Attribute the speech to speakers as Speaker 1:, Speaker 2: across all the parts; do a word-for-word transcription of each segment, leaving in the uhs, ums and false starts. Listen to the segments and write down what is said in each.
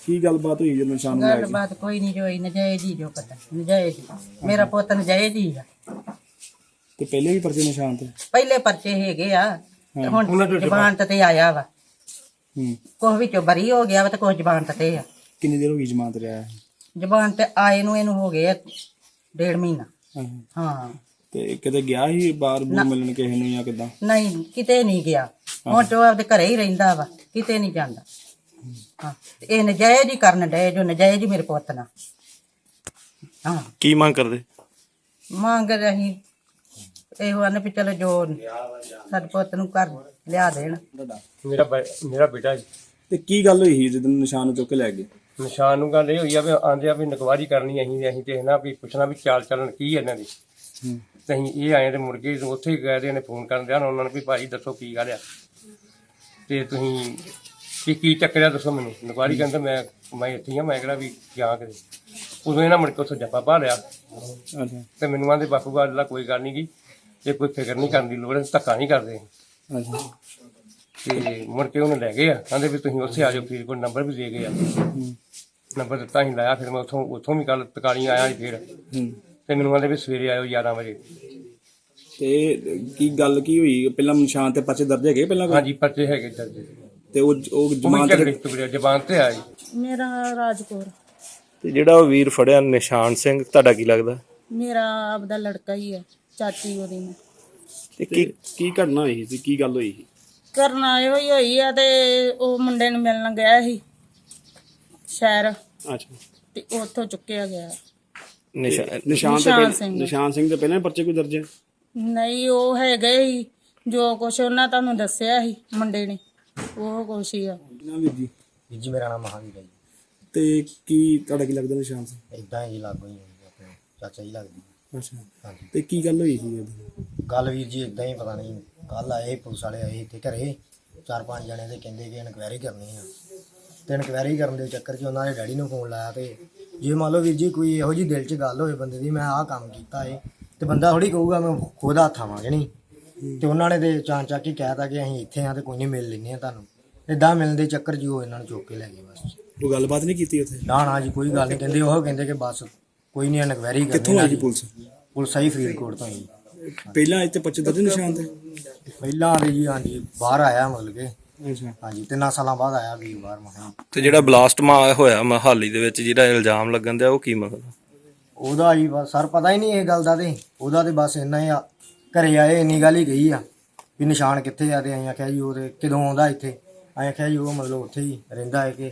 Speaker 1: ਕੀ ਗੱਲਬਾਤ ਹੋਈ ਜਦੋਂ ਨਿਸ਼ਾਨ ਨੂੰ ਲੈ ਕੇ?
Speaker 2: ਗੱਲਬਾਤ ਕੋਈ ਨਹੀਂ ਹੋਈ, ਨਜਾਇਜ਼ ਹੀ ਜੋ ਪਤਾ, ਨਜਾਇਜ਼ ਹੀ। ਮੇਰਾ ਪੁੱਤ ਨਜਾਇਜ਼ ਹੀ ਆ।
Speaker 1: ਤੇ ਪਹਿਲੇ ਵੀ ਪਰਚੇ ਨਿਸ਼ਾਨ ਤੇ?
Speaker 2: ਪਹਿਲੇ ਪਰਚੇ ਹੈਗੇ ਆ, ਤੇ ਹੁਣ ਜ਼ਮਾਨਤ ਤੇ ਆਇਆ ਵਾ।
Speaker 1: ਹੂੰ।
Speaker 2: ਕੁਛ ਵਿੱਚੋਂ ਬਰੀ ਹੋ ਗਿਆ ਵਾ ਤੇ ਕੁਛ ਜ਼ਮਾਨਤ ਤੇ ਆ।
Speaker 1: ਕਿੰਨੀ ਦੇਰ ਹੋ ਗਈ ਜ਼ਮਾਨਤ ਤੇ ਆਇਆ?
Speaker 2: ਜ਼ਮਾਨਤ ਤੇ ਆਏ ਨੂੰ ਇਹਨੂੰ ਹੋ ਗਏ ਡੇਢ ਮਹੀਨਾ। ਹਾਂ।
Speaker 1: ਤੇ ਕਿਤੇ ਗਿਆ ਸੀ ਬਾਹਰ ਬੂਰ ਮਿਲਣ ਕਿਸੇ ਨੂੰ ਜਾਂ ਕਿੱਦਾਂ?
Speaker 2: ਨਹੀਂ, ਕਿਤੇ ਨਹੀਂ ਗਿਆ। ਹੁਣ ਤੇ ਉਹ ਆਪਦੇ ਘਰੇ ਹੀ ਰਹਿੰਦਾ ਵਾ, ਕਿਤੇ ਨਹੀਂ ਜਾਂਦਾ। ਹਾਂ, ਤੇ ਇਹ ਨਜਾਇਜ਼ ਹੀ ਕਰਨ ਡਏ ਜੋ ਨਜਾਇਜ਼ ਹੀ ਮੇਰੇ ਪੁੱਤ ਨਾਲ। ਹਾਂ।
Speaker 3: ਕੀ ਮੰਗ ਕਰਦੇ?
Speaker 2: ਮੰਗ ਅਸੀਂ ਇਹੋ ਆਨੇ ਵੀ ਚਲੋ ਜੋ ਸਾਡੇ ਪੁੱਤ ਨੂੰ ਘਰ ਲਿਆ ਦੇਣ।
Speaker 4: ਮੇਰਾ ਮੇਰਾ ਬੇਟਾ ਜੀ।
Speaker 1: ਤੇ ਕੀ ਗੱਲ ਹੋਈ ਸੀ ਜਦੋਂ ਨਿਸ਼ਾਨ ਨੂੰ ਚੁੱਕ ਕੇ ਲੈ ਗਏ?
Speaker 4: ਨਿਸ਼ਾਨ ਨੂੰ ਗੱਲ ਇਹ ਹੋਈ ਆ ਵੀ ਆਂਦੇ ਆ ਵੀ ਨਕਵਾਰੀ ਕਰਨੀ ਅਸੀਂ ਅਸੀਂ ਤੇ ਨਾ ਵੀ ਪੁੱਛਣਾ ਵੀ ਚਾਲ ਚੱਲਣ ਕੀ ਇਹਨਾਂ ਦੀ। ਤੇ ਅਸੀਂ ਇਹ ਆਏ ਤੇ ਮੁੜ ਕੇ ਉੱਥੇ ਗਏ ਤੇ ਇਹਨੇ ਫੋਨ ਕਰਨ ਦਿਆ ਉਹਨਾਂ ਨੂੰ ਵੀ ਭਾਈ ਦੱਸੋ ਕੀ ਗੱਲ ਆ ਤੇ ਤੁਸੀਂ ਕੀ ਕੀ ਚੱਕਰਿਆ ਦੱਸੋ ਮੈਨੂੰ। ਨਕਵਾਰੀ ਕਹਿੰਦਾ ਮੈਂ ਮੈਂ ਇੱਥੇ ਆ, ਮੈਂ ਕਿਹੜਾ ਵੀ ਜਾਂ ਕਿਤੇ। ਉਦੋਂ ਇਹਨਾਂ ਮੁੜ ਕੇ ਉੱਥੋਂ ਜੱਫਾ ਪਾ ਲਿਆ
Speaker 1: ਅੱਛਾ
Speaker 4: ਤੇ ਮੈਨੂੰ ਆਂਦੇ ਬਾਪੂ ਗੱਲ ਦਾ ਕੋਈ ਗੱਲ ਨਹੀਂ ਗੀ, ਇਹ ਕੋਈ ਫਿਕਰ ਨਹੀਂ ਕਰਨ ਦੀ ਲੋੜ, ਧੱਕਾ ਨਹੀਂ ਕਰਦੇ।
Speaker 1: ਅੱਛਾ।
Speaker 4: ਤੇ ਮੁੜ ਕੇ ਉਹਨੂੰ ਲੈ ਗਏ ਆ, ਕਹਿੰਦੇ ਵੀ ਤੁਸੀਂ ਉੱਥੇ ਆ ਜਾਓ। ਫਰੀਦਕੋਟ ਨੰਬਰ ਵੀ ਦੇ ਗਏ ਆ, ਨੰਬਰ ਦਿੱਤਾ ਅਸੀਂ ਲਾਇਆ। ਫਿਰ ਮੈਂ ਉੱਥੋਂ ਉੱਥੋਂ ਵੀ ਕੱਲ ਤਕਾਲੀ ਆਇਆ ਸੀ ਫਿਰ। ਤੇ ਮੈਨੂੰ ਕਹਿੰਦੇ ਵੀ ਸਵੇਰੇ ਆਇਓ ਗਿਆਰਾਂ ਵਜੇ।
Speaker 1: ਤੇ ਕੀ ਗੱਲ ਕੀ ਹੋਈ? ਪਹਿਲਾਂ ਨਿਸ਼ਾਨ ਤੇ ਪਰਚੇ ਦਰਜ ਹੈਗੇ ਪਹਿਲਾਂ?
Speaker 4: ਹਾਂਜੀ ਪਰਚੇ ਹੈਗੇ ਦਰਜ।
Speaker 1: ਤੇ ਉਹ ਉਹ ਜ਼ਮਾਨਤ
Speaker 4: ਤੇ ਜ਼ਬਾਨ ਤੇ ਆਈ।
Speaker 2: ਮੇਰਾ ਰਾਜਕੌਰ।
Speaker 3: ਤੇ ਜਿਹੜਾ ਉਹ ਵੀਰ ਫੜਿਆ ਨਿਸ਼ਾਨ ਸਿੰਘ, ਤੁਹਾਡਾ ਕੀ ਲੱਗਦਾ?
Speaker 2: ਮੇਰਾ ਆਪਦਾ ਲੜਕਾ ਹੀ ਹੈ, ਚਾਚੀ ਉਹਦੀ ਨੇ।
Speaker 1: ਤੇ ਕੀ ਕੀ ਘਟਨਾ ਹੋਈ ਸੀ? ਕੀ ਗੱਲ ਹੋਈ ਸੀ?
Speaker 2: ਕਰਨਾ ਇਹੋ ਹੀ ਹੋਈ ਆ। ਤੇ ਉਹ ਮੁੰਡੇ ਨੂੰ ਮਿਲਣ ਗਿਆ ਸੀ ਸ਼ਹਿਰ,
Speaker 1: ਅੱਛਾ।
Speaker 2: ਤੇ ਉੱਥੋਂ ਚੁੱਕਿਆ ਗਿਆ।
Speaker 3: ਨਿਸ਼ਾਨ
Speaker 1: ਨਿਸ਼ਾਨ ਤੇ
Speaker 2: ਨਿਸ਼ਾਨ
Speaker 1: ਪਹਿਲਾਂ
Speaker 2: ਸਿੰਘ।
Speaker 1: ਨਿਸ਼ਾਨ ਸਿੰਘ ਦੇ ਪਹਿਲਾਂ ਵੀ ਪਰਚੇ ਕੋਈ ਦਰਜ ਹੈ?
Speaker 2: ਨਹੀਂ, ਉਹ ਹੈਗੇ ਹੀ ਜੋ ਕੁਛ ਉਹਨਾਂ ਤੁਹਾਨੂੰ ਦੱਸਿਆ ਸੀ ਮੁੰਡੇ ਨੇ, ਉਹ ਕੁਛ ਹੀ ਆ।
Speaker 1: ਨਾ ਵੀਰ ਜੀ।
Speaker 5: ਵੀਰ ਜੀ ਮੇਰਾ ਨਾਮ ਮਹਾਵੀਰ ਹੈ ਜੀ।
Speaker 1: ਤੇ ਕੀ ਤੁਹਾਡਾ ਕੀ ਲੱਗਦਾ ਨਿਸ਼ਾਨ ਸਿੰਘ?
Speaker 5: ਇਦਾਂ ਹੀ ਲਾਗੋ ਹੀ ਆਪਣੇ ਚਾਚਾ ਜੀ ਲੱਗਦੀ।
Speaker 1: ਅੱਛਾ।
Speaker 5: ਹਾਂਜੀ।
Speaker 1: ਤੇ ਕੀ ਗੱਲ ਹੋਈ ਸੀ ਉਦੋਂ?
Speaker 5: ਗੱਲ ਵੀਰ ਜੀ ਇਦਾਂ ਹੀ ਪਤਾ ਨਹੀਂ, ਕੱਲ ਆਏ ਪੁਲਿਸ ਵਾਲੇ ਆਏ ਇੱਥੇ ਘਰੇ ਚਾਰ ਪੰਜ ਜਣੇ ਤੇ ਕਹਿੰਦੇ ਕਿ ਇਨਕੁਆਇਰੀ ਕਰਨੀ ਆ। ਤੇ ਇਨਕੁਆਇਰੀ ਕਰਨ ਦੇ ਚੱਕਰ 'ਚ ਉਹਨਾਂ ਨੇ ਡੈਡੀ ਨੂੰ ਫੋਨ ਲਾਇਆ। ਤੇ ਜੇ ਮੰਨ ਲਓ ਵੀਰ ਜੀ ਕੋਈ ਇਹੋ ਜਿਹੀ ਦਿਲ 'ਚ ਗੱਲ ਹੋਵੇ ਬੰਦੇ ਦੀ, ਮੈਂ ਆਹ ਕੰਮ ਕੀਤਾ ਏ, ਤੇ ਬੰਦਾ ਥੋੜੀ ਕਹੂਗਾ ਮੈਂ ਖੁਦ ਹੱਥ ਆਵਾਂਗੇ ਨਹੀਂ। ਤੇ ਉਹਨਾਂ ਨੇ ਤੇ ਚਾਂ ਚੱਕ ਕੇ ਕਹਿਤਾ ਕਿ ਅਸੀਂ ਇੱਥੇ ਆ ਤੇ ਕੋਈ ਨਹੀਂ ਮਿਲ ਲੈਂਦੇ ਆ ਤੁਹਾਨੂੰ। ਇਦਾਂ ਮਿਲਣ ਦੇ ਚੱਕਰ 'ਚ ਉਹ ਇਹਨਾਂ ਨੂੰ ਚੁੱਕ ਕੇ ਲੈ ਗਏ ਬਸ।
Speaker 1: ਉਹ ਗੱਲਬਾਤ ਨਹੀਂ ਕੀਤੀ ਉੱਥੇ?
Speaker 5: ਨਾ ਨਾ ਜੀ ਕੋਈ ਗੱਲ ਨਹੀਂ। ਕਹਿੰਦੇ ਉਹ ਕਹਿੰਦੇ ਕਿ ਬਸ ਕੋਈ ਨਹੀਂ ਇਨਕੁਆਇਰੀ ਕਰਨੀ।
Speaker 1: ਕਿੱਥੋਂ ਆਈ ਜੀ ਪੁਲਿਸ?
Speaker 5: ਪੁਲਿਸ ਆਈ ਫਰੀਦਕੋਟ ਤੋਂ ਹੀ।
Speaker 1: ਪਹਿਲਾਂ ਇੱਥੇ ਪਰਚੇ ਦਰਜ ਨਿਸ਼ਾਨ ਤੇ?
Speaker 5: ਪਹਿਲਾਂ ਦੇ ਜੀ ਹਾਂਜੀ ਬਾਹਰ ਆਇਆ ਮਤਲਬ ਕਿ।
Speaker 1: ਅੱਛਾ।
Speaker 5: ਹਾਂਜੀ ਤਿੰਨਾਂ ਸਾਲਾਂ ਬਾਅਦ ਆਇਆ ਵੀ ਬਾਹਰ ਮਹਾਂ।
Speaker 3: ਤੇ ਜਿਹੜਾ ਬਲਾਸਟ ਮਾ ਹੋਇਆ ਮਹਾਲੀ ਦੇ ਵਿੱਚ ਜਿਹੜਾ ਇਲਜ਼ਾਮ ਲੱਗਣ ਦਿਆ, ਉਹ ਕੀ ਮਤਲਬ?
Speaker 5: ਉਹਦਾ ਜੀ ਬਸ ਸਰ ਪਤਾ ਹੀ ਨਹੀਂ ਇਹ ਗੱਲ ਦਾ। ਤੇ ਉਹਦਾ ਤੇ ਬਸ ਇੰਨਾ ਹੀ ਆ, ਘਰੇ ਆਏ ਇੰਨੀ ਗੱਲ ਹੀ ਕਹੀ ਆ ਵੀ ਨਿਸ਼ਾਨ ਕਿੱਥੇ ਆ। ਤੇ ਅਸੀਂ ਆਖਿਆ ਜੀ ਉਹ ਤੇ ਕਦੋਂ ਆਉਂਦਾ ਇੱਥੇ। ਅਸੀਂ ਆਖਿਆ ਜੀ ਉਹ ਮਤਲਬ ਉੱਥੇ ਹੀ ਰਹਿੰਦਾ ਹੈ ਕਿ।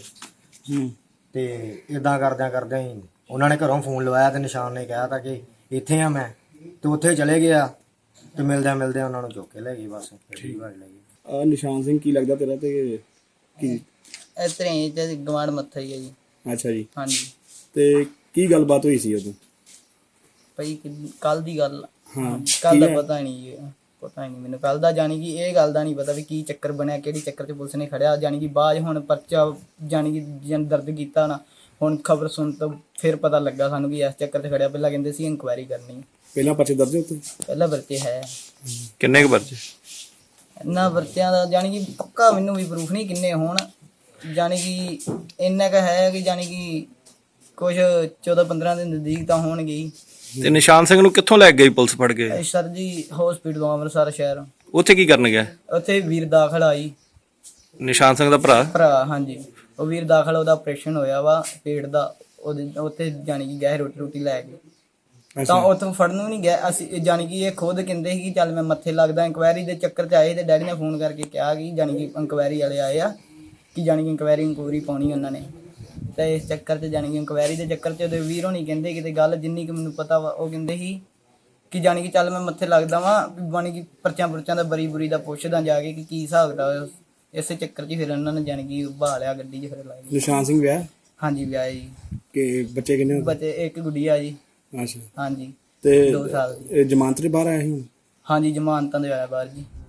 Speaker 5: ਤੇ ਇਦਾਂ ਕਰਦਿਆਂ ਕਰਦਿਆਂ ਹੀ ਉਹਨਾਂ ਨੇ ਘਰੋਂ ਫੋਨ ਲਵਾਇਆ ਤੇ ਨਿਸ਼ਾਨ ਨੇ ਕਿਹਾ ਤਾਂ ਕਿ ਇੱਥੇ ਆ ਮੈਂ। ਤੇ ਉੱਥੇ ਚਲੇ ਗਿਆ ਤੇ ਮਿਲਦਿਆਂ ਮਿਲਦਿਆਂ ਉਹਨਾਂ ਨੂੰ ਚੁੱਕ ਕੇ ਲੈ ਗਏ ਬਸ। ਠੀਕ ਲੈ ਗਏ।
Speaker 1: ਆ ਨਿਸ਼ਾਨ ਸਿੰਘ ਕੀ ਲੱਗਦਾ ਤੇਰਾ? ਤੇ ਕੀ
Speaker 6: ਇਸ ਤਰ੍ਹਾਂ ਹੀ ਤੇ ਗਵਾਂਢ ਮੱਥਾ ਹੀ ਹੈ ਜੀ।
Speaker 1: ਅੱਛਾ ਜੀ।
Speaker 6: ਹਾਂਜੀ।
Speaker 1: ਤੇ ਕੀ ਗੱਲਬਾਤ ਹੋਈ ਸੀ ਉਦੋਂ?
Speaker 6: ਭਾਈ ਕੱਲ ਦੀ ਗੱਲ।
Speaker 1: ਹਾਂ।
Speaker 6: ਕੱਲ ਦਾ ਪਤਾ ਨਹੀਂ ਜੀ, ਪਤਾ ਨਹੀਂ ਮੈਨੂੰ ਕੱਲ ਦਾ। ਜਾਣੀ ਕਿ ਇਹ ਗੱਲ ਦਾ ਨਹੀਂ ਪਤਾ ਵੀ ਕੀ ਚੱਕਰ ਬਣਿਆ, ਕਿਹੜੀ ਚੱਕਰ 'ਚ ਪੁਲਿਸ ਨੇ ਖੜਿਆ। ਜਾਣੀ ਕਿ ਬਾਅਦ ਹੁਣ ਪਰਚਾ ਜਾਣੀ ਕਿ ਜਨ ਦਰਦ ਕੀਤਾ ਨਾ। ਹੁਣ ਖਬਰ ਸੁਣ ਤੋਂ ਫਿਰ ਪਤਾ ਲੱਗਾ ਸਾਨੂੰ ਕਿ ਇਸ ਚੱਕਰ 'ਚ ਖੜਿਆ। ਪਹਿਲਾਂ ਕਹਿੰਦੇ ਸੀ ਇਨਕੁਆਇਰੀ ਕਰਨੀ। ਪਹਿਲਾਂ
Speaker 1: ਪਰਚੇ ਦਰਜ ਉੱਤੇ?
Speaker 6: ਪਹਿਲਾਂ ਪਰਚੇ ਹੈ।
Speaker 3: ਕਿੰਨੇ ਕੁ ਪਰਚੇ?
Speaker 6: ਇਹਨਾਂ ਪਰਚਿਆਂ ਦਾ ਜਾਣੀ ਕਿ ਪੱਕਾ ਮੈਨੂੰ ਵੀ ਪ੍ਰੂਫ ਨਹੀਂ ਕਿੰਨੇ ਹੋਣ। ਜਾਣੀ ਕਿ ਇੰਨਾ ਕੁ ਹੈ ਕਿ ਜਾਣੀ ਕਿ ਕੁਛ ਚੌਦਾਂ ਪੰਦਰਾਂ ਦੇ ਨਜ਼ਦੀਕ ਤਾਂ ਹੋਣਗੇ ਹੀ।
Speaker 3: ਤੇ ਨਿਸ਼ਾਨ ਸਿੰਘ ਨੂੰ ਕਿੱਥੋਂ ਲੈ ਗਈ ਪੁਲਿਸ ਫੜ ਕੇ?
Speaker 6: ਸਰ ਜੀ ਹਸਪੀਟਲ ਅੰਮ੍ਰਿਤਸਰ ਸ਼ਹਿਰ।
Speaker 3: ਉੱਥੇ ਕੀ ਕਰਨ ਗਿਆ?
Speaker 6: ਉੱਥੇ ਵੀਰ ਦਾਖਲ ਆਈ,
Speaker 3: ਨਿਸ਼ਾਨ ਸਿੰਘ ਦਾ ਭਰਾ?
Speaker 6: ਭਰਾ ਹਾਂਜੀ। ਉਹ ਵੀਰ ਦਾਖਲ, ਉਹਦਾ ਆਪਰੇਸ਼ਨ ਹੋਇਆ ਵਾ ਪੇਟ ਦਾ। ਉਹਦੇ ਉੱਥੇ ਜਾਣੀ ਕਿ ਗਏ ਰੋਟੀ ਰੋਟੀ ਲੈ ਕੇ। ਤਾਂ ਉੱਥੋਂ ਫੜਨ ਨੂੰ ਨਹੀਂ ਗਿਆ ਅਸੀਂ। ਜਾਣੀ ਕਿ ਇਹ ਖੁਦ ਕਹਿੰਦੇ ਸੀ ਕਿ ਚੱਲ ਮੈਂ ਮੱਥੇ ਲੱਗਦਾ। ਇਨਕੁਆਇਰੀ ਦੇ ਚੱਕਰ 'ਚ ਆਏ ਤੇ ਡੈਡੀ ਨੇ ਫੋਨ ਕਰਕੇ ਕਿਹਾ ਕਿ ਜਾਣੀ ਕਿ ਇਨਕੁਆਇਰੀ ਵਾਲੇ ਆਏ ਆ ਕਿ ਜਾਣੀ ਕਿ ਇਨਕੁਆਇਰੀ ਇਨਕੁਆਇਰੀ ਪਾਉਣੀ ਉਹਨਾਂ ਨੇ। ਤੇ ਇਸ ਚੱਕਰ 'ਚ ਜਾਣੀ ਕਿ ਇਨਕੁਆਇਰੀ ਦੇ ਚੱਕਰ 'ਚ ਉਹਦੇ ਵੀਰ ਹੋਣੀ ਕਹਿੰਦੇ ਕਿਤੇ ਗੱਲ ਜਿੰਨੀ ਕਿ ਮੈਨੂੰ ਪਤਾ ਵਾ, ਉਹ ਕਹਿੰਦੇ ਸੀ ਕਿ ਜਾਣੀ ਕਿ ਚੱਲ ਮੈਂ ਮੱਥੇ ਲੱਗਦਾ ਵਾਂ। ਜਾਣੀ ਕਿ ਪਰਚਿਆਂ ਪੁਰਚਿਆਂ ਦਾ ਬਰੀ ਬੁਰੀ ਦਾ ਪੁੱਛਦਾ ਜਾ ਕੇ ਕਿ ਕੀ ਹਿਸਾਬ ਕਿਤਾਬ। ਇਸੇ ਚੱਕਰ 'ਚ ਫਿਰ ਉਹਨਾਂ ਨੇ ਜਾਣੀ ਕਿ ਬਹਾ ਲਿਆ ਗੱਡੀ 'ਚ ਫਿਰ ਲਾਈ।
Speaker 1: ਨਿਸ਼ਾਨ ਸਿੰਘ ਵਿਆਹ?
Speaker 6: ਹਾਂਜੀ ਵਿਆਹ ਜੀ।
Speaker 1: ਕਿ ਬੱਚੇ ਕਿੰਨੇ?
Speaker 6: ਬੱਚੇ ਇੱਕ ਗੁੱਡੀਆ ਜੀ।
Speaker 1: ਅੱਛਾ।
Speaker 6: ਹਾਂਜੀ।
Speaker 1: ਤੇ
Speaker 6: ਦੋ ਸਾਲ ਦੀ।
Speaker 1: ਜ਼ਮਾਨਤ ਦੇ ਬਾਹਰ ਆਇਆ ਸੀ?
Speaker 6: ਹਾਂਜੀ ਜ਼ਮਾਨਤਾਂ ਦੇ ਆਇਆ ਬਾਹਰ ਜੀ।